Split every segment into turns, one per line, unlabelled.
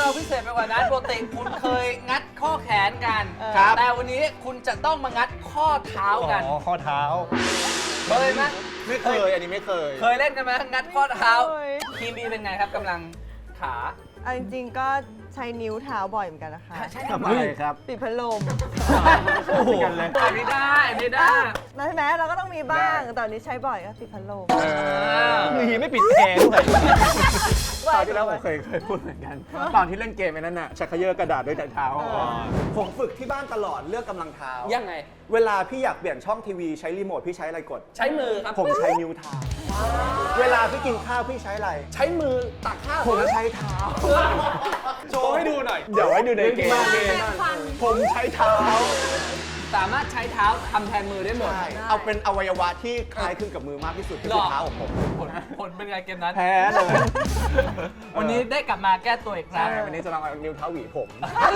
เราพิเศษไปกว่านั้นปกติคุณเคยงัดข้อแขนกันแต่วันนี้คุณจะต้องมางัดข้อเท้ากัน
ข้อเท้า
เคยไหม
ไม่เคยอันนี้ไม่เคย
เล่นกันไหมงัดข้อเท้าทีมบีเป็นไงครับกำลังขา
จริงๆก็ใช้นิ้วเท้าบ่อยเหมือนกันนะคะ
ใช่ทำไม
ครับ
ปิดพัดลม
โอ้โหกันเลย
อันนี้ได้
ใช่ไหมเราก็ต้องมีบ้างแต่นี้ใช้บ่อยก็ปิดพัดลม
มีไม่ปิดแอร์ด้วยตอนที่แล้วผมเคยพูดเหมือนกันตอนที่เล่นเกมนั้นน่ะชักเขย่อกระดาษด้วยเท้า
ผมฝึกที่บ้านตลอดเลือกกำลังเท้า
ยังไง
เวลาพี่อยากเปลี่ยนช่องทีวีใช้รีโมทพี่ใช้อะไรกด
ใช้มือครับ
ผมใช้นิ้วเท้าเวลาพี่กินข้าวพี่ใช้อะไร
ใช้มือตักข้าว
ผมใช้เท้า
โชว์ให้ดูหน่อย
เดี๋ยวให้ดูในเกมผมใช้เท้า
สามารถใช้เท้าทำแทนมือได้หมด
เอาเป็นอวัยวะที่คล้ายคลึงกับมือมากที่สุดคือเท้าของผม
ผลเป็นไงเกมนั้น
แพ้เลย
วันนี้ได้กลับมาแก้ตัวอีกครั้ง
วันนี้จะลองเอานิ้วเท้าหวีผม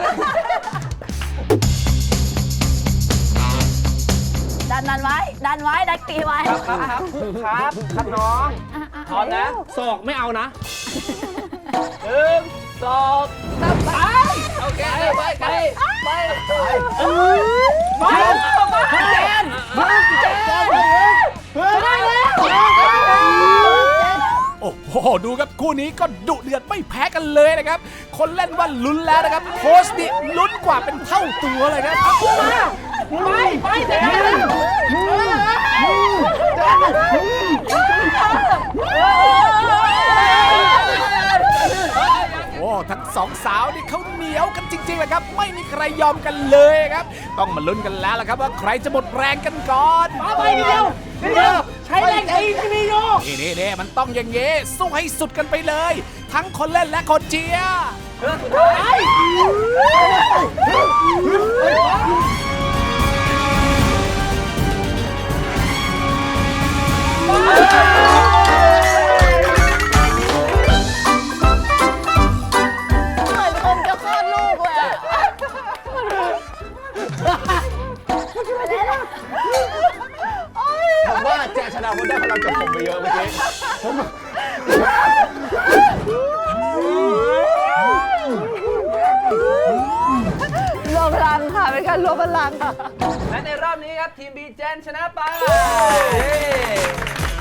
ดันไว้ดันตีไว้
ครับน้องพร้อมนะศอกไม่เอานะ1 2 3ไปโอเคไปเจน
ได้แล้ว
โอ้โหดูครับคู่นี้ก็ดุเดือดไม่แพ้กันเลยนะครับ คนเล่นว่าลุ้นแล้วนะครับโค้ชนี่ลุ้นกว่าเป็นเท่าตัวเลยครับ
ไปเดี๋
โอ้ทั้งสองสาวนี่เขาเหนียวกันจริงๆเลยครับไม่มีใครยอมกันเลยครับต้องมาลุ้นกันแล้วล่ะครับว่าใครจะหมดแรงกันก่อน
ไปเดียวใช้แรงตีที่มีอยู่
นี่มันต้องอย่างเงี้สู้ให้สุดกันไปเลยทั้งคนเล่นและคนเชียร์
ผมว่าแจชนะผมได้พลังจากผมไปเยอะเมื่อกี้
รวมพลังค่ะเป็นการรวมพลัง
และในรอบนี้ครับทีมบีเจนชนะไป